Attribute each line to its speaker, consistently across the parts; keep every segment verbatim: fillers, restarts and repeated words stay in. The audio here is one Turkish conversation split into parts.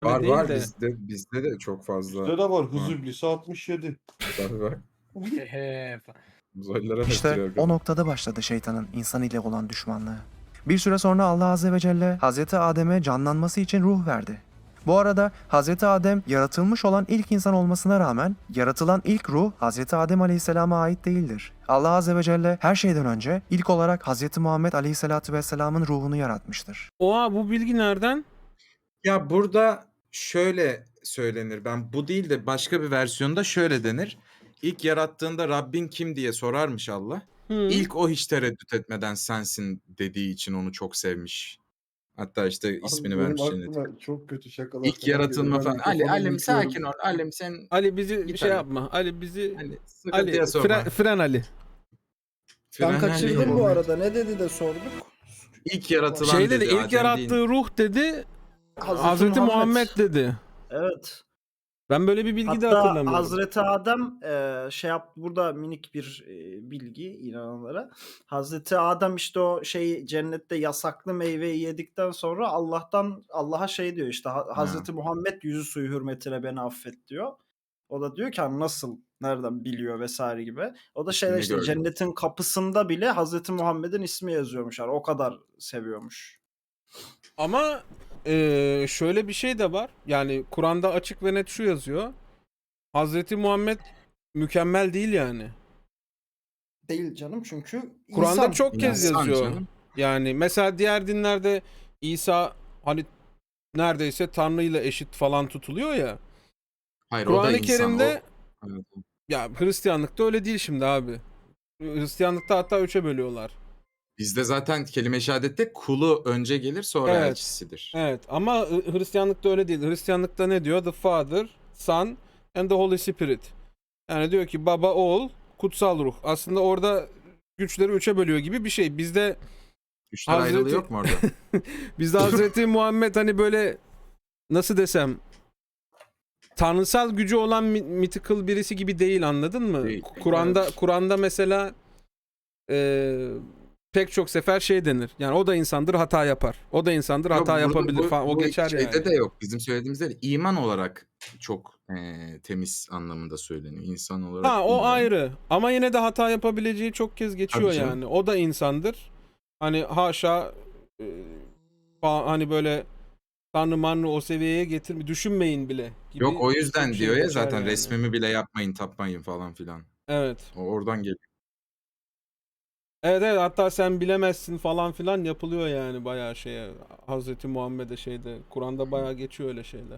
Speaker 1: Var
Speaker 2: değil
Speaker 1: var
Speaker 2: de.
Speaker 1: bizde bizde de çok fazla
Speaker 3: Bizde de var. Hız
Speaker 1: var.
Speaker 3: iblisi altmış yedi.
Speaker 1: Tabii bak.
Speaker 4: Hehe fa
Speaker 1: Uzaylılara
Speaker 5: İşte
Speaker 1: benziyor
Speaker 5: o
Speaker 1: kadın.
Speaker 5: noktada başladı şeytanın insan ile olan düşmanlığı. Bir süre sonra Allah Azze ve Celle Hazreti Adem'e canlanması için ruh verdi. Bu arada Hazreti Adem yaratılmış olan ilk insan olmasına rağmen yaratılan ilk ruh Hazreti Adem Aleyhisselam'a ait değildir. Allah Azze ve Celle her şeyden önce ilk olarak Hazreti Muhammed Aleyhisselatü Vesselam'ın ruhunu yaratmıştır.
Speaker 2: Oha, bu bilgi nereden?
Speaker 1: Ya burada şöyle söylenir. Ben bu değil de başka bir versiyonda şöyle denir. İlk yarattığında Rabbin kim diye sorarmış Allah.
Speaker 2: Hı.
Speaker 1: İlk o hiç tereddüt etmeden sensin dediği için onu çok sevmiş. Hatta işte ismini
Speaker 3: Benim
Speaker 1: vermiş cennet.
Speaker 3: aklıma çok kötü şakalar
Speaker 1: İlk
Speaker 3: falan
Speaker 1: yaratılma
Speaker 3: geliyor. Ben
Speaker 1: falan. Ali
Speaker 3: mikrofonu
Speaker 1: Alim
Speaker 3: yutuyorum.
Speaker 1: sakin ol. Alim sen
Speaker 2: Ali bizi
Speaker 1: Git
Speaker 2: şey
Speaker 1: Ali.
Speaker 2: yapma. Ali bizi
Speaker 1: hani
Speaker 2: Ali
Speaker 1: sıkıntıya sokma.
Speaker 2: fren, fren Ali.
Speaker 3: Ben
Speaker 1: Fren
Speaker 3: kaçırdım
Speaker 1: Ali.
Speaker 3: bu arada. Ne dedi de sorduk.
Speaker 1: İlk yaratılan
Speaker 2: Şey dedi,
Speaker 1: dedi,
Speaker 2: ilk
Speaker 1: Adem
Speaker 2: yarattığı
Speaker 1: değil.
Speaker 2: ruh dedi.
Speaker 6: Hazreti,
Speaker 2: Hazreti Muhammed dedi.
Speaker 6: Evet.
Speaker 2: Ben böyle bir bilgi de
Speaker 6: Hatta
Speaker 2: hatırlamıyorum.
Speaker 6: Hazreti Adem e, şey yaptı, burada minik bir e, bilgi inananlara. Hazreti Adem işte o şey cennette yasaklı meyveyi yedikten sonra Allah'tan Allah'a şey diyor işte Ha- Hazreti Muhammed yüzü suyu hürmetine beni affet diyor. O da diyor ki hani nasıl, nereden biliyor vesaire gibi. O da şeyler
Speaker 1: İsmini
Speaker 6: işte
Speaker 1: gördüm.
Speaker 6: cennetin kapısında bile Hazreti Muhammed'in ismi yazıyormuş. Yani o kadar seviyormuş.
Speaker 2: Ama eee, şöyle bir şey de var. Yani Kur'an'da açık ve net şu yazıyor. Hazreti Muhammed mükemmel değil yani.
Speaker 6: Değil canım, çünkü
Speaker 2: Kur'an'da
Speaker 6: insan.
Speaker 2: çok kez
Speaker 1: İnsan
Speaker 2: yazıyor.
Speaker 1: canım.
Speaker 2: Yani mesela diğer dinlerde İsa hani neredeyse Tanrı ile eşit falan tutuluyor ya.
Speaker 1: Hayır o da
Speaker 2: Kur'an-ı
Speaker 1: insan.
Speaker 2: Kerim'de
Speaker 1: O... Evet.
Speaker 2: ya Hristiyanlıkta öyle değil şimdi abi. Hristiyanlıkta hatta üçe bölüyorlar.
Speaker 1: Bizde zaten kelime-i şehadette kulu önce gelir sonra
Speaker 2: Evet.
Speaker 1: elçisidir.
Speaker 2: Evet ama Hı- Hristiyanlıkta öyle değil. Hristiyanlıkta ne diyor? The Father, Son and the Holy Spirit. Yani diyor ki baba, oğul, kutsal ruh. Aslında orada güçleri üçe bölüyor gibi bir şey. Bizde
Speaker 1: Güçler
Speaker 2: Hazreti-
Speaker 1: ayrılığı yok mu orada?
Speaker 2: bizde Hazreti Muhammed hani böyle nasıl desem tanrısal gücü olan mi- mythical birisi gibi değil, anladın mı?
Speaker 1: Değil.
Speaker 2: Kur'an'da Kur'an'da mesela e, pek çok sefer şey denir. Yani o da insandır, hata yapar. O da insandır, hata
Speaker 1: Yok, burada
Speaker 2: yapabilir
Speaker 1: bu-
Speaker 2: falan. O
Speaker 1: bu
Speaker 2: geçer
Speaker 1: şeyde
Speaker 2: yani.
Speaker 1: de yok. Bizim söylediğimizde de iman olarak çok eee, temiz anlamında söyleniyor. İnsan olarak
Speaker 2: Ha, o
Speaker 1: bilmiyorum.
Speaker 2: ayrı. Ama yine de hata yapabileceği çok kez geçiyor
Speaker 1: Tabii canım.
Speaker 2: yani. O da insandır. Hani haşa e, fa- hani böyle Tanrı manrı o seviyeye getirme düşünmeyin bile gibi.
Speaker 1: Yok o yüzden
Speaker 2: çok şey
Speaker 1: diyor ya
Speaker 2: geçer
Speaker 1: zaten
Speaker 2: yani.
Speaker 1: resmimi bile yapmayın tapmayın falan filan.
Speaker 2: Evet.
Speaker 1: O oradan geliyor.
Speaker 2: Evet evet, hatta sen bilemezsin falan filan yapılıyor yani bayağı şeye. Hazreti Muhammed'e şeyde Kur'an'da bayağı geçiyor öyle şeyler.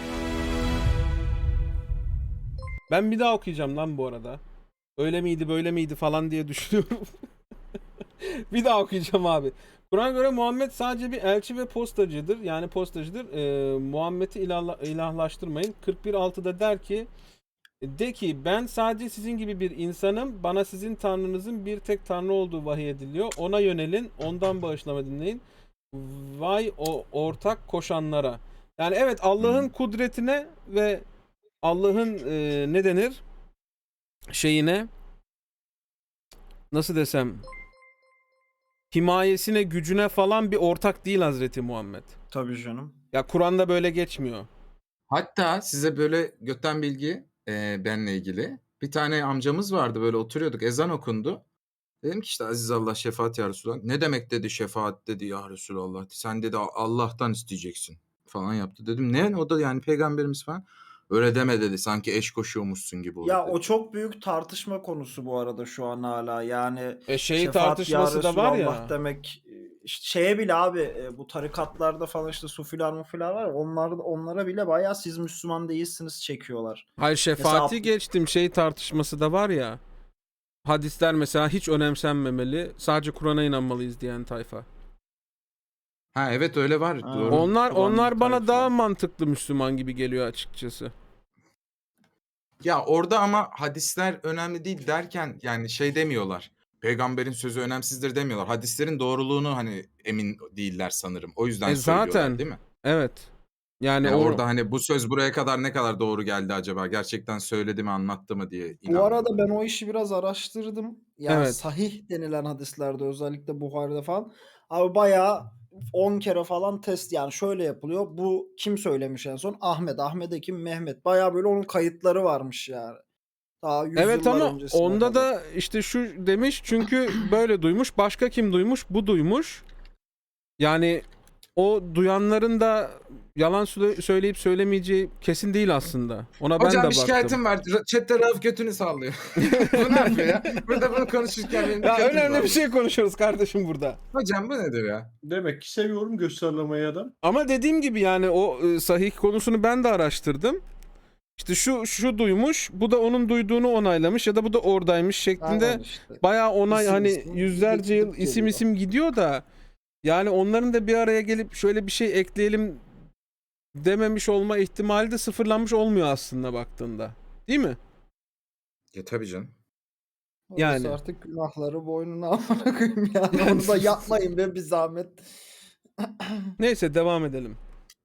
Speaker 2: Ben bir daha okuyacağım lan bu arada. Öyle miydi böyle miydi falan diye düşünüyorum. Bir daha okuyacağım abi. Kur'an'a göre Muhammed sadece bir elçi ve postacıdır. Yani postacıdır. Ee, Muhammed'i ilahla- ilahlaştırmayın. kırk bir altıda der ki de ki ben sadece sizin gibi bir insanım. Bana sizin tanrınızın bir tek tanrı olduğu vahiy ediliyor. Ona yönelin. Ondan bağışlama dinleyin. Vay o ortak koşanlara. Yani evet, Allah'ın
Speaker 1: Hmm.
Speaker 2: kudretine ve Allah'ın e, ne denir? Şeyine nasıl desem himayesine, gücüne falan bir ortak değil Hazreti Muhammed.
Speaker 6: Tabii canım.
Speaker 2: Ya Kur'an'da böyle geçmiyor.
Speaker 1: Hatta size böyle götten bilgi eee, benle ilgili. Bir tane amcamız vardı böyle oturuyorduk ezan okundu. Dedim ki işte Aziz Allah şefaat ya Resulallah. Ne demek dedi şefaat dedi ya Resulallah. Sen dedi Allah'tan isteyeceksin falan yaptı. Dedim ne? O da yani peygamberimiz falan. Öyle deme dedi. Sanki eş koşuyormuşsun gibi olur
Speaker 6: Ya
Speaker 1: dedi.
Speaker 6: o çok büyük tartışma konusu bu arada şu an hala. Yani
Speaker 2: E şey
Speaker 6: şefaat ya
Speaker 2: tartışması da var
Speaker 6: Resulallah
Speaker 2: ya.
Speaker 6: demek e, işte şeye bile abi e, bu tarikatlarda falan işte sufiler mufiler var ya, onlar, onlara bile bayağı siz Müslüman değilsiniz çekiyorlar.
Speaker 2: Hayır, şefaati
Speaker 6: Mesela-
Speaker 2: geçtim, şey tartışması da var ya. Hadisler mesela hiç önemsenmemeli. Sadece Kur'an'a inanmalıyız diyen tayfa.
Speaker 1: Ha evet öyle var.
Speaker 6: Ha.
Speaker 1: Doğru.
Speaker 2: Onlar
Speaker 6: Kur'an
Speaker 2: onlar bana
Speaker 6: tayfa.
Speaker 2: daha mantıklı Müslüman gibi geliyor açıkçası.
Speaker 1: Ya orada ama hadisler önemli değil derken yani şey demiyorlar. Peygamberin sözü önemsizdir demiyorlar. Hadislerin doğruluğunu hani emin değiller sanırım. O yüzden
Speaker 2: E
Speaker 1: söylüyorlar
Speaker 2: zaten.
Speaker 1: değil mi?
Speaker 2: Evet. Yani
Speaker 1: Yani
Speaker 2: o
Speaker 1: orada hani bu söz buraya kadar ne kadar doğru geldi acaba? Gerçekten söyledi mi, anlattı mı diye
Speaker 6: Bu
Speaker 1: inanmıyorlar.
Speaker 6: arada ben o işi biraz araştırdım. Yani
Speaker 2: Evet.
Speaker 6: sahih denilen hadislerde özellikle Buhari'de falan abi bayağı on kere falan test yani şöyle yapılıyor. Bu kim söylemiş en son? Ahmet. Ahmet Ekim Mehmet. Bayağı böyle onun kayıtları varmış yani. Daha
Speaker 2: Evet
Speaker 6: yüzyıllar
Speaker 2: ama
Speaker 6: öncesine
Speaker 2: onda
Speaker 6: kadar.
Speaker 2: da işte şu demiş çünkü böyle duymuş. Başka kim duymuş? Bu duymuş. Yani o duyanların da yalan söyle- söyleyip söylemeyeceği kesin değil aslında. Ona ben de
Speaker 1: Hocam bir
Speaker 2: baktım.
Speaker 1: şikayetim var. Ra- Chat'te Rauf götünü sallıyor. Bu ne yapıyor ya? Burada bunu konuşurken benim
Speaker 2: Ya
Speaker 1: dikkatimi
Speaker 2: önemli bir
Speaker 1: dağılıyor.
Speaker 2: şey konuşuyoruz kardeşim burada.
Speaker 1: Hocam bu nedir ya?
Speaker 3: Demek ki seviyorum gösterlemeyi adam.
Speaker 2: Ama dediğim gibi yani o e, sahih konusunu ben de araştırdım. İşte şu şu duymuş, bu da onun duyduğunu onaylamış ya da bu da oradaymış şeklinde
Speaker 6: Aynen işte.
Speaker 2: bayağı onay
Speaker 6: İsim
Speaker 2: hani
Speaker 6: isim
Speaker 2: yüzlerce yıl
Speaker 6: gidip
Speaker 2: isim
Speaker 6: geliyor.
Speaker 2: isim gidiyor da yani onların da bir araya gelip şöyle bir şey ekleyelim dememiş olma ihtimali de sıfırlanmış olmuyor aslında baktığında. Değil mi?
Speaker 1: Ya tabii canım.
Speaker 6: Orası
Speaker 2: Yani.
Speaker 6: artık günahları boynuna amına koyayım yani. Onu da yapmayın be bir zahmet.
Speaker 2: Neyse devam edelim.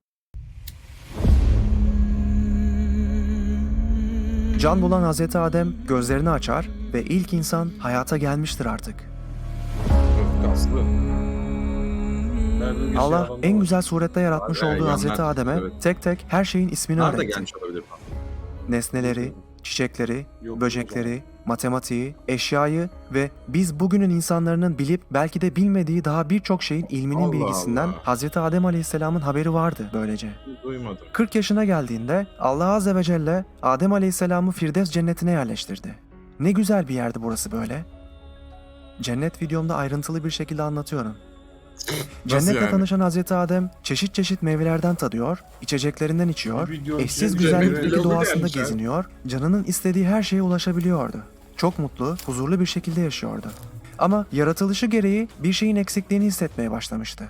Speaker 5: Can bulan Hazreti Adem gözlerini açar ve ilk insan hayata gelmiştir artık.
Speaker 1: Kaslı.
Speaker 3: Ben böyle bir şey
Speaker 5: Allah
Speaker 3: anlamadım.
Speaker 5: en güzel surette yaratmış
Speaker 1: Abi,
Speaker 5: olduğu
Speaker 1: yanlar
Speaker 5: Hazreti Adem'e
Speaker 1: evet.
Speaker 5: tek tek her şeyin ismini
Speaker 1: Bunlar da
Speaker 5: öğretti.
Speaker 1: gelmiş olabilir falan.
Speaker 5: Nesneleri, çiçekleri,
Speaker 3: Yok,
Speaker 5: böcekleri, matematiği, eşyayı ve biz bugünün insanların bilip belki de bilmediği daha birçok şeyin ilminin
Speaker 1: Allah
Speaker 5: bilgisinden
Speaker 1: Allah.
Speaker 5: Hazreti Adem Aleyhisselam'ın haberi vardı böylece.
Speaker 1: Duymadım.
Speaker 5: kırk yaşına geldiğinde Allah Azze ve Celle Adem Aleyhisselam'ı Firdevs cennetine yerleştirdi. Ne güzel bir yerdi burası böyle. Cennet videomda ayrıntılı bir şekilde anlatıyorum. Cennetle
Speaker 1: yani?
Speaker 5: tanışan Hazreti Adem çeşit çeşit meyvelerden tadıyor, içeceklerinden içiyor,
Speaker 3: Bir video
Speaker 5: eşsiz
Speaker 3: önce
Speaker 5: güzellikteki
Speaker 1: meyveli
Speaker 5: doğasında
Speaker 1: gelmiş ha.
Speaker 5: geziniyor, canının istediği her şeye ulaşabiliyordu. Çok mutlu, huzurlu bir şekilde yaşıyordu. Ama yaratılışı gereği bir şeyin eksikliğini hissetmeye başlamıştı.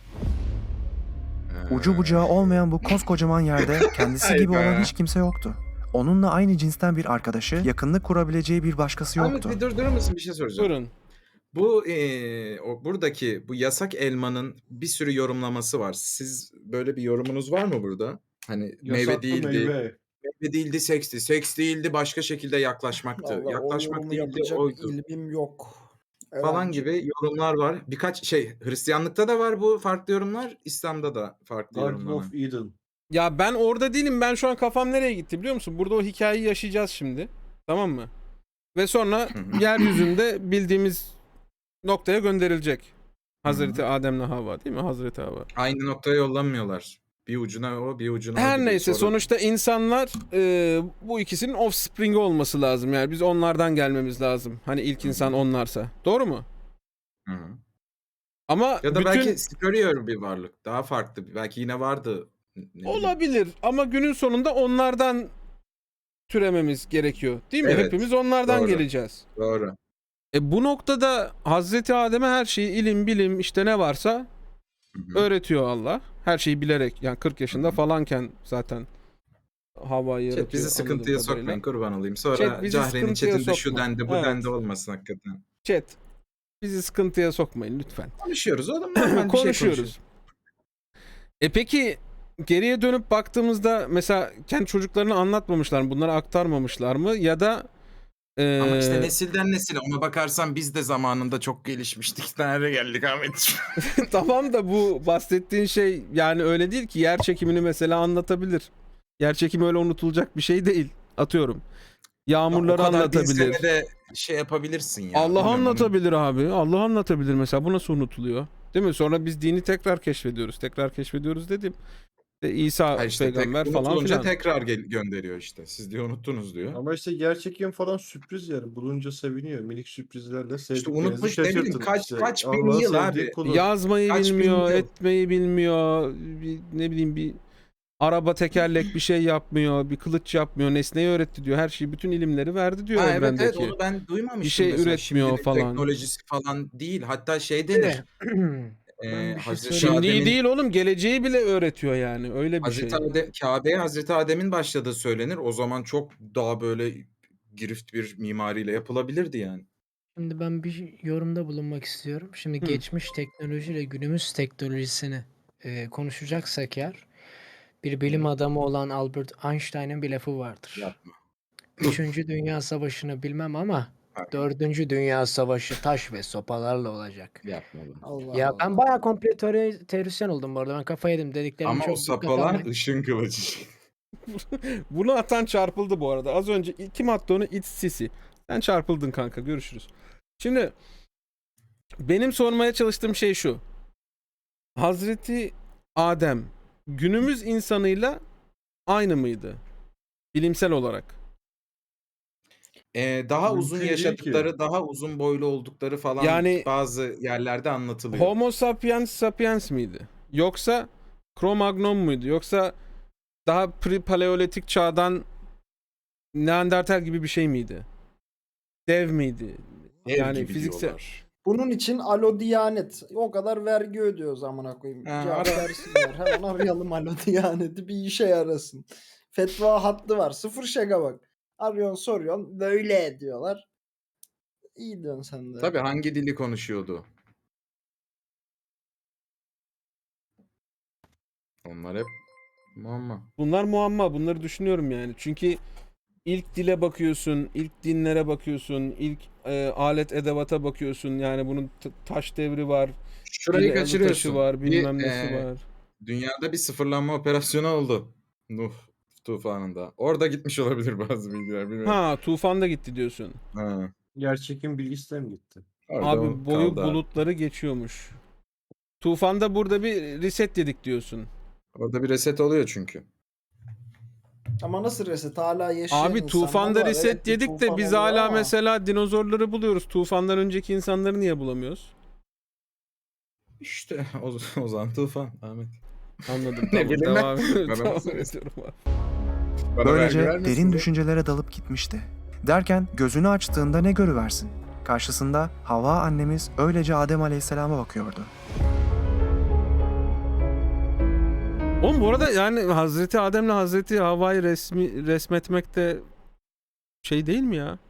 Speaker 5: Ucu bucağı olmayan bu koskocaman yerde kendisi gibi
Speaker 1: Hayda.
Speaker 5: olan hiç kimse yoktu. Onunla aynı cinsten bir arkadaşı, yakınlık kurabileceği bir başkası
Speaker 1: Ahmet
Speaker 5: yoktu.
Speaker 1: bir durdurur musun? Bir şey soracağım.
Speaker 2: Buyurun.
Speaker 1: Bu eee, o buradaki bu yasak elmanın bir sürü yorumlaması var. Siz böyle bir yorumunuz var mı burada? Hani meyve
Speaker 3: Yasaklı
Speaker 1: değildi,
Speaker 3: meyve.
Speaker 1: meyve değildi, seksti, seks değildi, başka şekilde yaklaşmaktı.
Speaker 6: Vallahi o
Speaker 1: Yaklaşmak
Speaker 6: yorumu
Speaker 1: değildi,
Speaker 6: yapacak
Speaker 1: oydu
Speaker 6: ilmim yok.
Speaker 1: falan
Speaker 6: Öğrenci.
Speaker 1: gibi yorumlar var. Birkaç şey Hristiyanlıkta da var bu farklı yorumlar, İslam'da da farklı
Speaker 3: Garden
Speaker 1: yorumlanan.
Speaker 3: of Eden.
Speaker 2: Ya ben orada değilim. Ben şu an kafam nereye gitti biliyor musun? Burada o hikayeyi yaşayacağız şimdi. Tamam mı? Ve sonra
Speaker 1: Hı hı.
Speaker 2: yeryüzünde bildiğimiz noktaya gönderilecek. Hazreti Adem'le Havva değil mi? Hazreti Havva.
Speaker 1: Aynı noktaya yollanmıyorlar. Bir ucuna o, bir ucuna o
Speaker 2: Her
Speaker 1: gibi.
Speaker 2: neyse
Speaker 1: Sonra-
Speaker 2: sonuçta insanlar e, bu ikisinin offspring'i olması lazım. Yani biz onlardan gelmemiz lazım. Hani ilk insan onlarsa. Doğru mu?
Speaker 1: Hı hı.
Speaker 2: Ama
Speaker 1: Ya da
Speaker 2: bütün...
Speaker 1: belki superior bir varlık. Daha farklı. Belki yine vardı. Ne bileyim.
Speaker 2: Olabilir ama günün sonunda onlardan türememiz gerekiyor. Değil mi?
Speaker 1: Evet,
Speaker 2: Hepimiz onlardan
Speaker 1: doğru.
Speaker 2: geleceğiz.
Speaker 1: Doğru.
Speaker 2: E bu noktada Hazreti Adem'e her şeyi ilim bilim işte ne varsa
Speaker 1: Hı hı.
Speaker 2: öğretiyor Allah. Her şeyi bilerek yani kırk yaşında falanken zaten Havva'yı yaratıyor.
Speaker 1: Chat bizi sıkıntıya
Speaker 2: anladığım kadarıyla.
Speaker 1: sokmayın kurban olayım. Sonra
Speaker 2: Chat bizi
Speaker 1: Cahre'nin
Speaker 2: sıkıntıya
Speaker 1: chatinde şu
Speaker 2: sokma.
Speaker 1: dendi bu
Speaker 2: Evet.
Speaker 1: dendi olmasın hakikaten.
Speaker 2: Chat bizi sıkıntıya sokmayın lütfen.
Speaker 1: Konuşuyoruz oğlum normal bir şey
Speaker 2: Konuşuyoruz.
Speaker 1: konuşuyoruz.
Speaker 2: E peki geriye dönüp baktığımızda mesela kendi çocuklarına anlatmamışlar mı? Bunları aktarmamışlar mı? Ya da e,
Speaker 1: Ama işte nesilden nesile ona bakarsan biz de zamanında çok gelişmiştik. Nereye geldik Ahmetciğim?
Speaker 2: tamam da bu bahsettiğin şey yani öyle değil ki. Yer çekimini mesela anlatabilir. Yer çekimi öyle unutulacak bir şey değil. Atıyorum. Yağmurları
Speaker 1: O kadar bin
Speaker 2: anlatabilir.
Speaker 1: senede şey yapabilirsin ya.
Speaker 2: Allah
Speaker 1: Bilmiyorum,
Speaker 2: anlatabilir abi. Allah anlatabilir mesela. Bu nasıl unutuluyor? Değil mi? Sonra biz dini tekrar keşfediyoruz. Tekrar keşfediyoruz dedim. İşte İsa
Speaker 1: Ha işte
Speaker 2: peygamber
Speaker 1: tek,
Speaker 2: falan
Speaker 1: unutulunca
Speaker 2: filan.
Speaker 1: tekrar gel- gönderiyor işte. Siz diyor unuttunuz diyor.
Speaker 3: Ama işte gerçekten falan sürpriz yani. Bulunca seviniyor. Minik sürprizlerle sevdiklerinizi
Speaker 1: unutmuş, ne bileyim,
Speaker 3: şaşırtın.
Speaker 1: kaç-
Speaker 3: İşte
Speaker 1: kaç bin
Speaker 3: Allah'ın
Speaker 1: yıl
Speaker 3: sevdiği
Speaker 1: abi.
Speaker 3: kulu.
Speaker 2: Yazmayı
Speaker 1: Kaç bin
Speaker 2: bilmiyor,
Speaker 1: yıl.
Speaker 2: etmeyi bilmiyor. Bir, ne bileyim bir araba tekerlek bir şey yapmıyor, bir kılıç yapmıyor, nesneyi öğretti diyor. Her şeyi, bütün ilimleri verdi diyor
Speaker 1: Ha, evet
Speaker 2: evrendeki.
Speaker 1: evet onu ben duymamıştım.
Speaker 2: Bir şey
Speaker 1: mesela.
Speaker 2: üretmiyor
Speaker 1: Şimdinin
Speaker 2: falan.
Speaker 1: teknolojisi falan değil. Hatta şey denir.
Speaker 4: Ben
Speaker 1: e,
Speaker 4: bir şey
Speaker 1: Hazreti
Speaker 4: söyleyeyim.
Speaker 2: Şimdiyi
Speaker 1: Adem'in
Speaker 2: değil oğlum, geleceği bile öğretiyor yani. Öyle bir
Speaker 1: Hazreti
Speaker 2: şey.
Speaker 1: Adem, Kabe'ye Hazreti Adem'in başladığı söylenir. O zaman çok daha böyle girift bir mimariyle yapılabilirdi yani.
Speaker 4: Şimdi ben bir yorumda bulunmak istiyorum. Şimdi
Speaker 2: Hı.
Speaker 4: geçmiş teknolojiyle günümüz teknolojisini e, konuşacaksak eğer bir bilim adamı olan Albert Einstein'ın bir lafı vardır.
Speaker 1: Yapma.
Speaker 4: Üçüncü Dünya Savaşı'nı bilmem ama
Speaker 1: Aynen.
Speaker 4: Dördüncü Dünya Savaşı taş ve sopalarla olacak.
Speaker 1: Yapma bunu.
Speaker 6: Allah
Speaker 4: Ya
Speaker 6: Allah.
Speaker 4: ben bayağı komple teori, teorisyen oldum bu arada. Ben kafayı yedim dediklerimi
Speaker 1: Ama o
Speaker 4: çok dikkate
Speaker 1: sapalar
Speaker 4: almayın.
Speaker 1: ışın kılıcı.
Speaker 2: Bunu atan çarpıldı bu arada. Az önce kim attı onu? It's Sisi. Sen çarpıldın kanka. Görüşürüz. Şimdi benim sormaya çalıştığım şey şu. Hazreti Adem günümüz insanıyla aynı mıydı? Bilimsel olarak.
Speaker 1: Ee, daha uzun
Speaker 3: Mümkün değil ki.
Speaker 1: yaşadıkları, daha uzun boylu oldukları falan
Speaker 2: Yani-
Speaker 1: bazı yerlerde anlatılıyor.
Speaker 2: Homo sapiens sapiens miydi? Yoksa Cro-Magnon muydu? Yoksa daha pre-paleolitik çağdan Neandertal gibi bir şey miydi? Dev miydi?
Speaker 1: Dev
Speaker 2: yani
Speaker 1: gibi
Speaker 2: fiziksel-
Speaker 1: diyorlar.
Speaker 6: Bunun için alo Diyanet. O kadar vergi ödüyoruz amına koyayım.
Speaker 1: Ha,
Speaker 6: Cevap
Speaker 1: ara.
Speaker 6: versinler. Hemen arayalım alo Diyanet'i bir işe yarasın. Fetva hattı var. Sıfır şaka bak. Arıyorsun soruyorsun. Böyle diyorlar. İyi diyorsun sen de.
Speaker 1: Tabii hangi dili konuşuyordu? Onlar hep muamma.
Speaker 2: Bunlar muamma. Bunları düşünüyorum yani. Çünkü ilk dile bakıyorsun, ilk dinlere bakıyorsun, ilk e, alet edevata bakıyorsun. Yani bunun t- taş devri var,
Speaker 1: Şurayı
Speaker 2: dili-
Speaker 1: kaçırıyorsun.
Speaker 2: taşı var,
Speaker 1: Bir,
Speaker 2: bilmem nesi
Speaker 1: e,
Speaker 2: var.
Speaker 1: Dünyada bir sıfırlanma operasyonu oldu. Nuh tufanında. Orada gitmiş olabilir bazı bilgiler. Bilmiyorum.
Speaker 2: Ha, tufan da gitti diyorsun.
Speaker 1: Ha.
Speaker 3: Yerçekim bilgisi mi gitti?
Speaker 1: Orada
Speaker 2: Abi
Speaker 1: o
Speaker 2: boyu
Speaker 1: kaldı abi.
Speaker 2: bulutları geçiyormuş. Tufanda burada bir reset dedik diyorsun.
Speaker 1: Orada bir reset oluyor çünkü.
Speaker 6: Ama nasıl reset? Hala yaşayan
Speaker 2: Abi
Speaker 6: insanlar
Speaker 2: tufanda
Speaker 6: var.
Speaker 2: reset
Speaker 6: Evet, bir
Speaker 2: dedik de
Speaker 6: tufan
Speaker 2: biz
Speaker 6: oluyor
Speaker 2: hala
Speaker 6: ama
Speaker 2: mesela dinozorları buluyoruz. Tufandan önceki insanları niye bulamıyoruz?
Speaker 1: İşte o, o zaman tufan Ahmet.
Speaker 2: Anladım.
Speaker 1: Ne
Speaker 2: Tamam,
Speaker 1: bileyim ben.
Speaker 2: devam ediyorum.
Speaker 1: Bana
Speaker 2: Devam
Speaker 1: nasıl
Speaker 2: ediyorum abi.
Speaker 1: Bana
Speaker 5: Böylece
Speaker 1: vergi vermesin
Speaker 5: derin
Speaker 1: de.
Speaker 5: düşüncelere dalıp gitmişti. Derken gözünü açtığında ne görüversin? Karşısında Havva annemiz öylece Adem Aleyhisselam'a bakıyordu.
Speaker 2: Oğlum bu arada yani Hazreti Adem'le Hazreti Havva'yı resmi resmetmek de şey değil mi ya?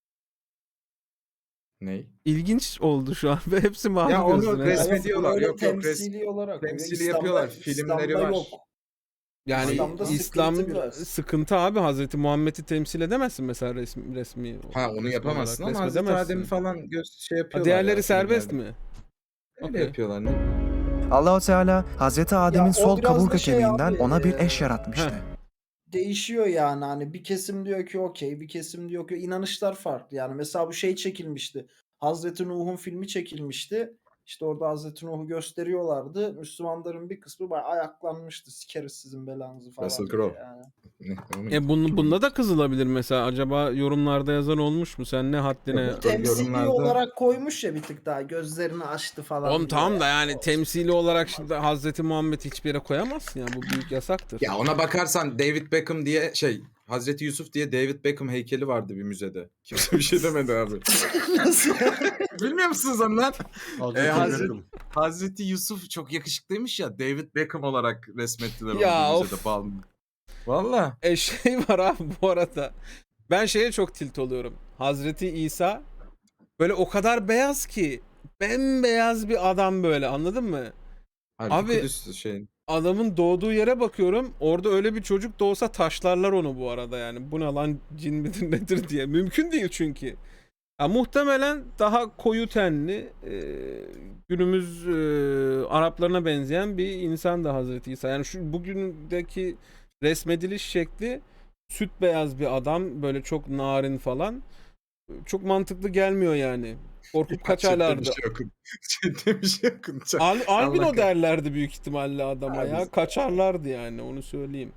Speaker 1: Ney?
Speaker 2: İlginç oldu şu an ve hepsi mavi
Speaker 1: Ya onu
Speaker 2: gözlü.
Speaker 1: resmi-
Speaker 6: Evet,
Speaker 1: diyorlar.
Speaker 6: böyle
Speaker 1: Yok, yok, res-
Speaker 6: temsili olarak.
Speaker 1: temsili
Speaker 6: İslam'da-
Speaker 1: yapıyorlar. Filmleri
Speaker 6: İslam'da
Speaker 1: var.
Speaker 6: yok.
Speaker 2: Yani
Speaker 6: İslam'da sıkıntı
Speaker 2: İslam
Speaker 6: biraz.
Speaker 2: sıkıntı abi. Hazreti Muhammed'i temsil edemezsin mesela resmi resmi.
Speaker 1: Ha onu
Speaker 2: resmi
Speaker 1: yapamazsın
Speaker 2: olarak,
Speaker 1: ama Hazreti
Speaker 2: resmedemezsin.
Speaker 1: Adem'i falan göz şey
Speaker 2: Ha,
Speaker 1: yapıyorlar.
Speaker 2: diğerleri
Speaker 1: ya,
Speaker 2: serbest
Speaker 1: filmlerde.
Speaker 2: mi?
Speaker 1: Öyle
Speaker 2: Okey.
Speaker 1: yapıyorlar ne?
Speaker 5: Allahu Teala Hazreti Adem'in
Speaker 6: o
Speaker 5: sol
Speaker 6: biraz da
Speaker 5: kaburga
Speaker 6: şey
Speaker 5: kemiğinden
Speaker 6: abi,
Speaker 5: ona bir
Speaker 6: e,
Speaker 5: eş yaratmıştı.
Speaker 6: Değişiyor yani hani bir kesim diyor ki okey, bir kesim diyor ki inanışlar farklı. Yani mesela bu şey çekilmişti. Hazreti Nuh'un filmi çekilmişti. İşte orada Hazreti Nuh'u gösteriyorlardı. Müslümanların bir kısmı bayağı ayaklanmıştı. Sikeriz sizin belanızı falan.
Speaker 1: Russell
Speaker 6: diye
Speaker 1: Crowe.
Speaker 6: Yani.
Speaker 1: Ne? Onu-
Speaker 2: E bunu, bunda da kızılabilir mesela. Acaba yorumlarda yazan olmuş mu? Sen ne haddine...
Speaker 1: Yok,
Speaker 6: Temsili
Speaker 1: yorumlarda-
Speaker 6: olarak koymuş ya bir tık daha. Gözlerini açtı falan.
Speaker 2: Oğlum
Speaker 6: diye.
Speaker 2: tamam da yani temsili olarak şimdi Hazreti Muhammed hiçbir yere koyamazsın ya. Bu büyük yasaktır.
Speaker 1: Ya ona bakarsan David Beckham diye şey Hazreti Yusuf diye David Beckham heykeli vardı bir müzede. Kimse bir şey demedi abi.
Speaker 6: Nasıl?
Speaker 1: Bilmiyor musunuz onu lan?
Speaker 3: Hazreti
Speaker 1: Ee, Hazreti-
Speaker 3: Beckham.
Speaker 1: Hazreti Yusuf çok yakışıklıymış ya David Beckham olarak resmettiler onu
Speaker 2: Ya,
Speaker 1: bir
Speaker 2: of.
Speaker 1: müzede Balmum. Valla.
Speaker 2: E şey var abi bu arada. Ben şeye çok tilt oluyorum. Hazreti İsa böyle o kadar beyaz ki bembeyaz bir adam böyle, anladın mı?
Speaker 1: Abi,
Speaker 2: Abi-
Speaker 1: Kudüs şey.
Speaker 2: Adamın doğduğu yere bakıyorum. Orada öyle bir çocuk doğsa taşlarlar onu bu arada yani. Bu ne lan, cin midir nedir diye. Mümkün değil çünkü. Ya, muhtemelen daha koyu tenli, e, günümüz e, Araplarına benzeyen bir insan da Hazreti İsa. Yani şu bugündeki resmediliş şekli süt beyaz bir adam, böyle çok narin falan. Çok mantıklı gelmiyor yani. Korkup kaçarlardı.
Speaker 1: Chatte bir şey okun. Chatte bir şey okun. Chat-
Speaker 2: Al, albino
Speaker 1: Allah
Speaker 2: derlerdi büyük ihtimalle adama
Speaker 1: Abi-
Speaker 2: ya. Kaçarlardı yani, onu söyleyeyim.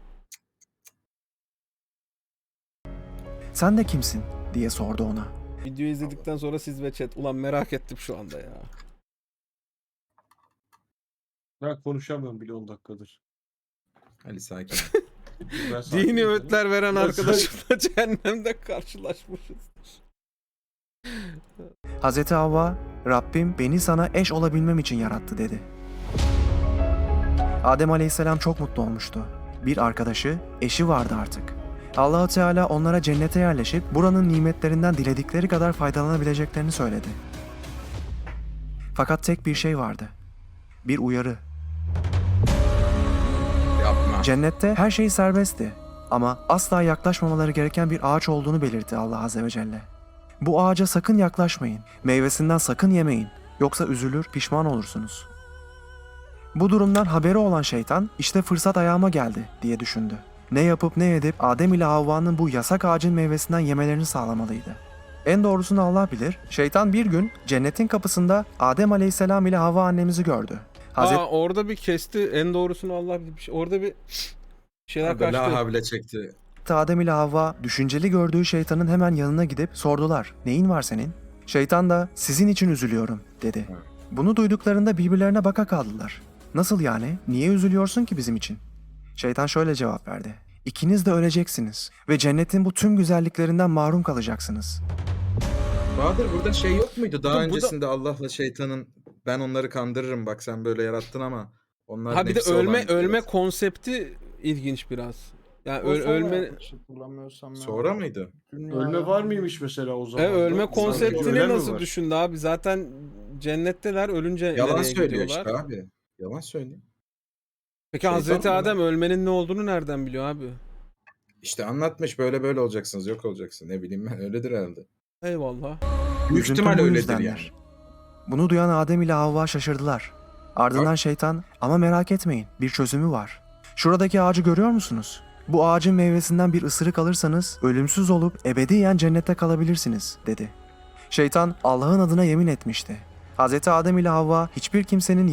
Speaker 5: Sen de kimsin diye sordu ona.
Speaker 2: Videoyu izledikten sonra siz ve chat. Ulan merak ettim şu anda ya.
Speaker 3: Ben konuşamıyorum bile on dakikadır.
Speaker 1: Ali sakin.
Speaker 3: Ben sakin
Speaker 2: Dini
Speaker 3: değilim.
Speaker 2: öğütler veren
Speaker 3: Ben
Speaker 2: arkadaşımla cehennemde karşılaşmışız.
Speaker 5: Hazreti Havva, Rabbim beni sana eş olabilmem için yarattı dedi. Adem Aleyhisselam çok mutlu olmuştu. Bir arkadaşı, eşi vardı artık. Allah-u Teala onlara cennete yerleşip buranın nimetlerinden diledikleri kadar faydalanabileceklerini söyledi. Fakat tek bir şey vardı. Bir uyarı.
Speaker 1: Yapma.
Speaker 5: Cennette her şey serbestti ama asla yaklaşmamaları gereken bir ağaç olduğunu belirtti Allah Azze ve Celle. Bu ağaca sakın yaklaşmayın. Meyvesinden sakın yemeyin. Yoksa üzülür, pişman olursunuz. Bu durumdan haberi olan şeytan, işte fırsat ayağıma geldi diye düşündü. Ne yapıp ne edip Adem ile Havva'nın bu yasak ağacın meyvesinden yemelerini sağlamalıydı. En doğrusunu Allah bilir. Şeytan bir gün cennetin kapısında Adem Aleyhisselam ile Havva annemizi gördü. Hazreti
Speaker 2: Aa orada bir kesti. En doğrusunu Allah bilir. Bir şey- Orada bir şeyler
Speaker 1: Böyle
Speaker 2: kaçtı.
Speaker 1: havle çekti.
Speaker 5: Adem ile Havva düşünceli gördüğü şeytanın hemen yanına gidip sordular. Neyin var senin? Şeytan da sizin için üzülüyorum dedi.
Speaker 1: Evet.
Speaker 5: Bunu duyduklarında birbirlerine baka kaldılar. Nasıl yani? Niye üzülüyorsun ki bizim için? Şeytan şöyle cevap verdi. İkiniz de öleceksiniz ve cennetin bu tüm güzelliklerinden mahrum kalacaksınız.
Speaker 1: Bahadır burada şey yok muydu? Daha
Speaker 2: Dur, burada-
Speaker 1: öncesinde Allah'la şeytanın ben onları kandırırım bak sen böyle yarattın ama onlar
Speaker 2: Ha bir de
Speaker 1: nefsi
Speaker 2: ölme
Speaker 1: olan
Speaker 2: ölme
Speaker 1: biraz.
Speaker 2: konsepti ilginç biraz. Yani
Speaker 6: O
Speaker 2: öl,
Speaker 6: sonra
Speaker 2: ölme
Speaker 6: yapmış, hatırlamıyorsam ya.
Speaker 1: Sonra mıydı?
Speaker 6: Dünya
Speaker 3: Ölme
Speaker 6: ya.
Speaker 3: var mıymış mesela o zaman?
Speaker 2: e, ölme
Speaker 3: Sanki
Speaker 2: konseptini
Speaker 3: ölen mi
Speaker 2: nasıl
Speaker 3: var?
Speaker 2: düşündü abi? Zaten cennetteler, ölünce
Speaker 1: Yalan
Speaker 2: nereye
Speaker 1: söylüyor
Speaker 2: gidiyorlar?
Speaker 1: işte abi. Yalan söylüyor.
Speaker 2: Peki
Speaker 1: Şeytan
Speaker 2: Hazreti
Speaker 1: mı?
Speaker 2: Adem ölmenin ne olduğunu nereden biliyor abi?
Speaker 1: İşte anlatmış böyle böyle olacaksınız yok olacaksın ne bileyim ben öyledir herhalde.
Speaker 2: Eyvallah.
Speaker 1: Büyük
Speaker 5: Üzüntü
Speaker 1: ihtimal
Speaker 5: bu
Speaker 1: öyledir
Speaker 5: yüzdendir.
Speaker 1: yani.
Speaker 5: Bunu duyan Adem ile Havva şaşırdılar. Ardından şeytan, ama merak etmeyin, bir çözümü var. Şuradaki ağacı görüyor musunuz? Bu ağacın meyvesinden bir ısırık alırsanız ölümsüz olup ebediyen cennette kalabilirsiniz dedi. Şeytan Allah'ın adına yemin etmişti. Hazreti Adem ile Havva hiçbir kimsenin